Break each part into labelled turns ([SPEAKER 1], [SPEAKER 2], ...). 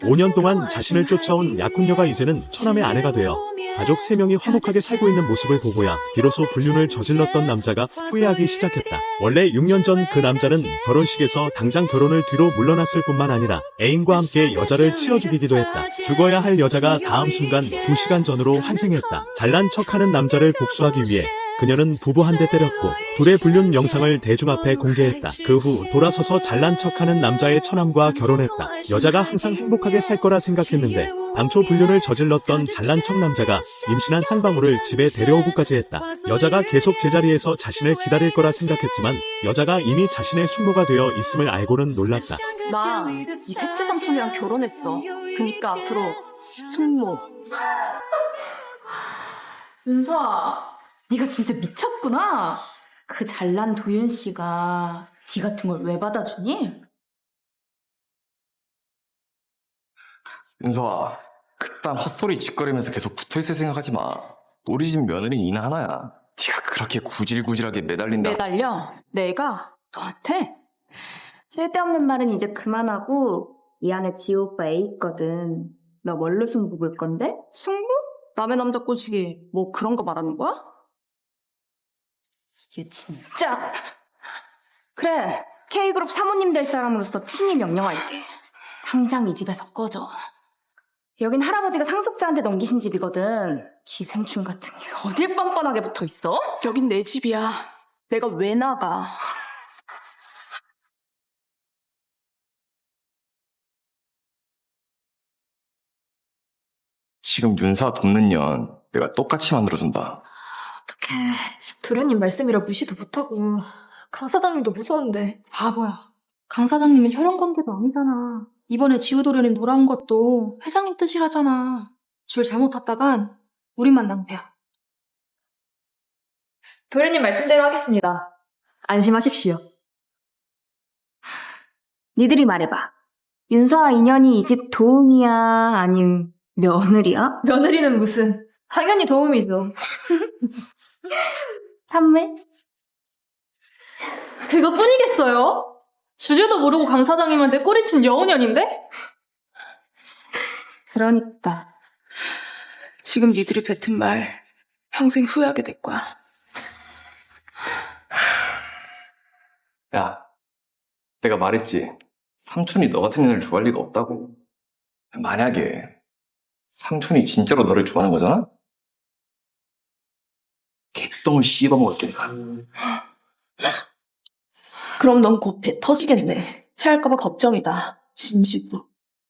[SPEAKER 1] 5년 동안 자신을 쫓아온 약혼녀가 이제는 처남의 아내가 되어 가족 3명이 화목하게 살고 있는 모습을 보고야 비로소 불륜을 저질렀던 남자가 후회하기 시작했다. 원래 6년 전 그 남자는 결혼식에서 당장 결혼을 뒤로 물러났을 뿐만 아니라 애인과 함께 여자를 치워 죽이기도 했다. 죽어야 할 여자가 다음 순간 2시간 전으로 환생했다. 잘난 척하는 남자를 복수하기 위해 그녀는 부부 한 대 때렸고 둘의 불륜 영상을 대중 앞에 공개했다. 그 후 돌아서서 잘난 척하는 남자의 처남과 결혼했다. 여자가 항상 행복하게 살 거라 생각했는데 당초 불륜을 저질렀던 잘난 척 남자가 임신한 쌍방울을 집에 데려오고까지 했다. 여자가 계속 제자리에서 자신을 기다릴 거라 생각했지만 여자가 이미 자신의 숙모가 되어 있음을 알고는 놀랐다.
[SPEAKER 2] 나 이 셋째 삼촌이랑 결혼했어. 그니까 앞으로 숙모.
[SPEAKER 3] 윤서아, 네가 진짜 미쳤구나. 그 잘난 도윤 씨가 지 같은 걸 왜 받아주니?
[SPEAKER 4] 윤서아, 그딴 헛소리 짓거리면서 계속 붙어있을 생각하지 마. 우리 집 며느리는 이나 하나야. 네가 그렇게 구질구질하게 매달린다.
[SPEAKER 2] 매달려? 내가? 너한테?
[SPEAKER 3] 쓸데없는 말은 이제 그만하고 이 안에 지호 오빠 애 있거든. 너 뭘로 승부 볼 건데?
[SPEAKER 2] 숙모? 남의 남자 꼬시기 뭐 그런 거 말하는 거야?
[SPEAKER 3] 이게 진짜. 그래, K그룹 사모님 될 사람으로서 친히 명령할게. 당장 이 집에서 꺼져. 여긴 할아버지가 상속자한테 넘기신 집이거든. 기생충 같은 게 어딜 뻔뻔하게 붙어있어?
[SPEAKER 2] 여긴 내 집이야. 내가 왜 나가?
[SPEAKER 4] 지금 윤서 돕는 년 내가 똑같이 만들어준다.
[SPEAKER 5] 어떡해. 도련님 말씀이라 무시도 못하고 강 사장님도 무서운데. 바보야. 강 사장님은 혈연관계도 아니잖아. 이번에 지우 도련님 돌아온 것도 회장님 뜻이라잖아. 줄 잘못 탔다간 우리만 낭패야.
[SPEAKER 6] 도련님 말씀대로 하겠습니다. 안심하십시오.
[SPEAKER 3] 니들이 말해봐. 윤서와 인연이 이 집 도움이야? 아님 며느리야?
[SPEAKER 6] 며느리는 무슨, 당연히 도움이죠.
[SPEAKER 3] 선물?
[SPEAKER 5] 그것뿐이겠어요? 주제도 모르고 강 사장님한테 꼬리친 여우년인데?
[SPEAKER 3] 그러니까.
[SPEAKER 2] 지금 니들이 뱉은 말 평생 후회하게 될 거야.
[SPEAKER 4] 야, 내가 말했지. 삼촌이 너 같은 년을 좋아할 리가 없다고. 만약에 삼촌이 진짜로 너를 좋아하는 거잖아? 개똥을 씹어먹을게 내가.
[SPEAKER 2] 그럼 넌 곧 배 터지겠네. 체할까봐 걱정이다. 진심으로.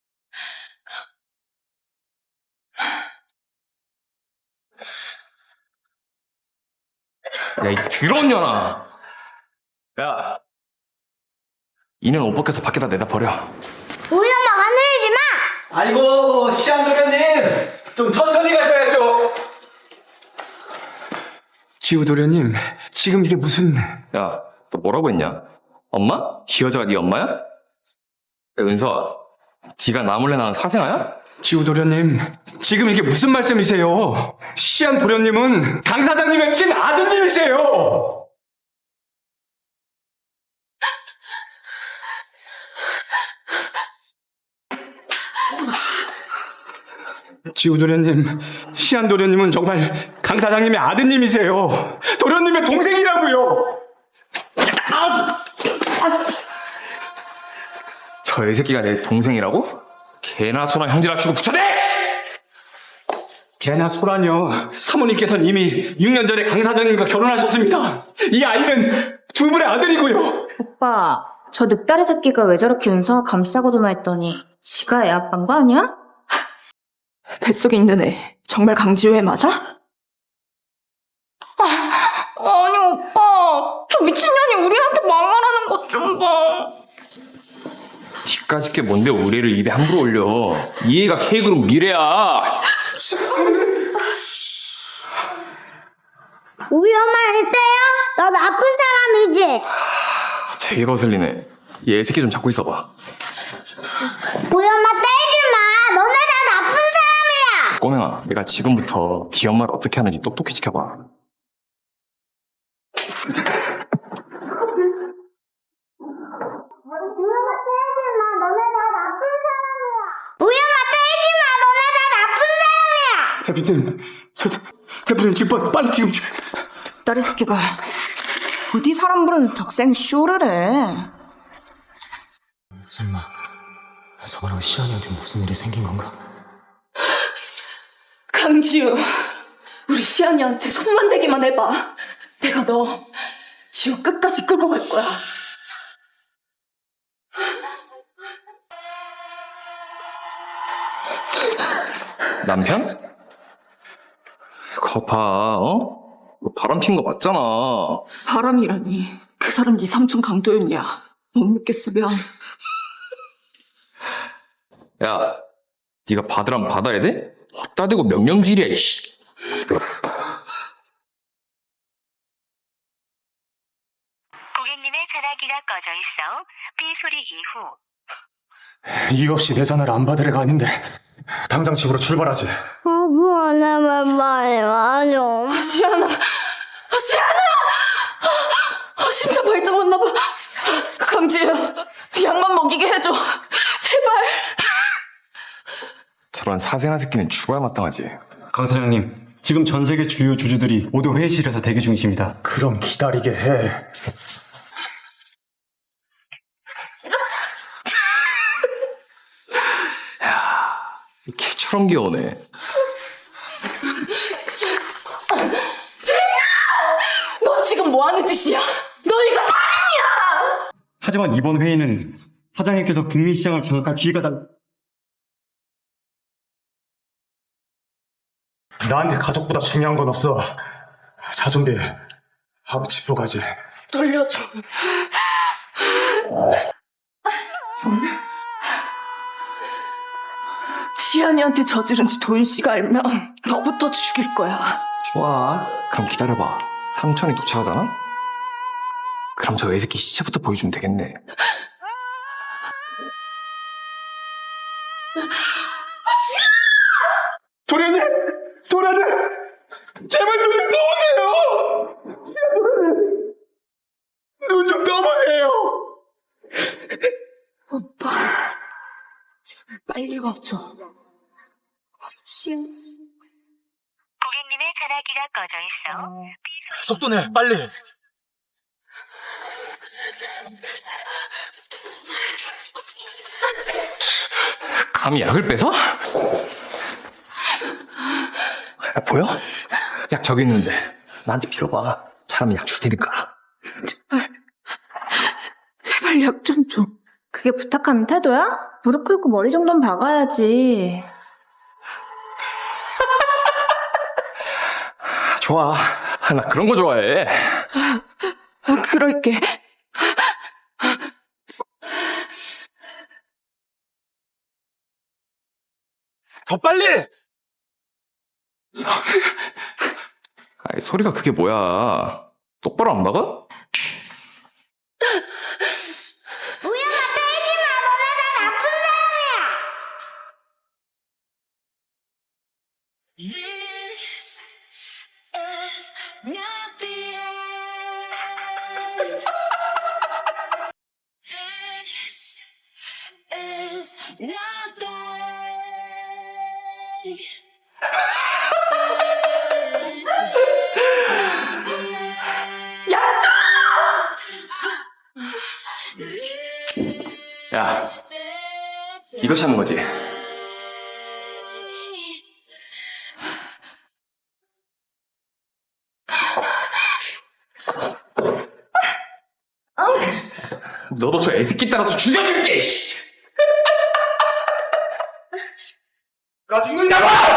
[SPEAKER 4] 야, 이 더러운 년아. 야, 이년 옷 벗겨서 밖에다 내다 버려.
[SPEAKER 7] 우리 엄마 하늘이지 마!
[SPEAKER 8] 아이고, 시안도련님! 좀 천천히 가셔야죠! 지우도련님, 지금 이게 무슨...
[SPEAKER 4] 야, 너 뭐라고 했냐? 엄마? 이 여자가 네 엄마야? 야, 은서아, 네가 나 몰래 낳은 사생아야?
[SPEAKER 8] 지우도련님, 지금 이게 무슨 말씀이세요? 시안도련님은 강 사장님의 친아드님이세요! 지우도련님, 시안도련님은 정말 강 사장님의 아드님이세요. 도련님의 동생이라고요.
[SPEAKER 4] 저 애새끼가 내 동생이라고? 개나 소나 형제라 치고 붙여대!
[SPEAKER 8] 개나 소라뇨. 사모님께서는 이미 6년 전에 강 사장님과 결혼하셨습니다. 이 아이는 두 분의 아들이고요.
[SPEAKER 3] 오빠, 저 늑다리 새끼가 왜 저렇게 윤서와 감싸고도나 했더니 지가 애 아빠인 거 아니야?
[SPEAKER 2] 뱃속에 있는 애 정말 강지우애 맞아?
[SPEAKER 3] 아니 오빠, 저 미친년이 우리한테 막말하는 것 좀 봐.
[SPEAKER 4] 니까짓 게 뭔데 우리 애를 입에 함부로 올려. 이 애가 K그룹 미래야.
[SPEAKER 7] 우리 엄마를 때려? 너 나쁜 사람이지?
[SPEAKER 4] 되게 거슬리네. 얘 애새끼 좀 잡고 있어봐.
[SPEAKER 7] 우리 엄마 때리지 마! 너네 다 나쁜 사람이야!
[SPEAKER 4] 꼬맹아, 내가 지금부터 네 엄마를 어떻게 하는지 똑똑히 지켜봐.
[SPEAKER 7] 우리 엄마 때리지 마! 너네 다 나쁜 사람이야! 우리 엄마
[SPEAKER 8] 대표님 지금 빨리 지금.
[SPEAKER 2] 딸이 새끼가 어디 사람 부르는 적생 쇼를 해.
[SPEAKER 9] 설마 서방랑 시안이한테 무슨 일이 생긴 건가?
[SPEAKER 2] 강지우, 우리 시안이한테 손만 대기만 해봐. 내가 너 지우 끝까지 끌고 갈 거야.
[SPEAKER 4] 남편? 거 봐, 어? 너 바람 핀 거 맞잖아.
[SPEAKER 2] 바람이라니. 그 사람 네 삼촌 강도현이야. 못 믿겠으면.
[SPEAKER 4] 야, 네가 받으라면 받아야 돼? 헛다 대고 명령질이야, 이씨.
[SPEAKER 10] 고객님의 전화기가 꺼져 있어 삐 소리 이후
[SPEAKER 8] 이유 없이 내 전화를 안 받을 애가 아닌데 당장 집으로 출발하지.
[SPEAKER 7] 미안해, 빨리 와줘.
[SPEAKER 2] 시안아! 시안아! 심장 발작 왔나 봐. 강지우, 약만 먹이게 해줘. 제발.
[SPEAKER 4] 저런 사생아 새끼는 죽어야 마땅하지.
[SPEAKER 11] 강 사장님, 지금 전 세계 주요 주주들이 모두 회의실에서 대기 중이십니다.
[SPEAKER 8] 그럼 기다리게 해.
[SPEAKER 4] 개처럼 귀여우네.
[SPEAKER 2] 너 지금 뭐 하는 짓이야? 너 이거 살인이야!
[SPEAKER 11] 하지만 이번 회의는 사장님께서 북미시장을 장악할 기회가
[SPEAKER 8] 나한테 가족보다 중요한 건 없어. 자, 준비해. 하고 집으로 가지.
[SPEAKER 2] 돌려줘. 시안이한테 저지른 지 도윤 씨가 알면 너부터 죽일 거야.
[SPEAKER 4] 좋아. 그럼 기다려봐. 삼촌이 도착하잖아? 그럼 저 애새끼 시체부터 보여주면 되겠네.
[SPEAKER 8] 도련님! 도련님! 제발 눈 좀 떠보세요! 눈 좀 떠보세요!
[SPEAKER 2] 오빠, 제발 빨리 와줘. 와서 시안.
[SPEAKER 10] 고객님의 전화기가 꺼져 있어
[SPEAKER 8] 속도 내, 빨리!
[SPEAKER 4] 감히 약을 뺏어? 야, 보여? 약 저기 있는데 나한테 빌어봐. 잘하면 약 줄 테니까.
[SPEAKER 2] 제발 약 좀 줘.
[SPEAKER 3] 그게 부탁하는 태도야? 무릎 꿇고 머리 정도는 박아야지.
[SPEAKER 4] 좋아. 나 그런 거 좋아해.
[SPEAKER 2] 그럴게.
[SPEAKER 8] 더 빨리!
[SPEAKER 4] 아이, 소리가 그게 뭐야. 똑바로 안 막아?
[SPEAKER 7] 우영아, 때리지 마. 너네 다 나쁜 사람이야.
[SPEAKER 4] 야, 이거 찾는 거지? 너도 저 애새끼 따라서 죽여줄게, 씨! 나 죽는다고!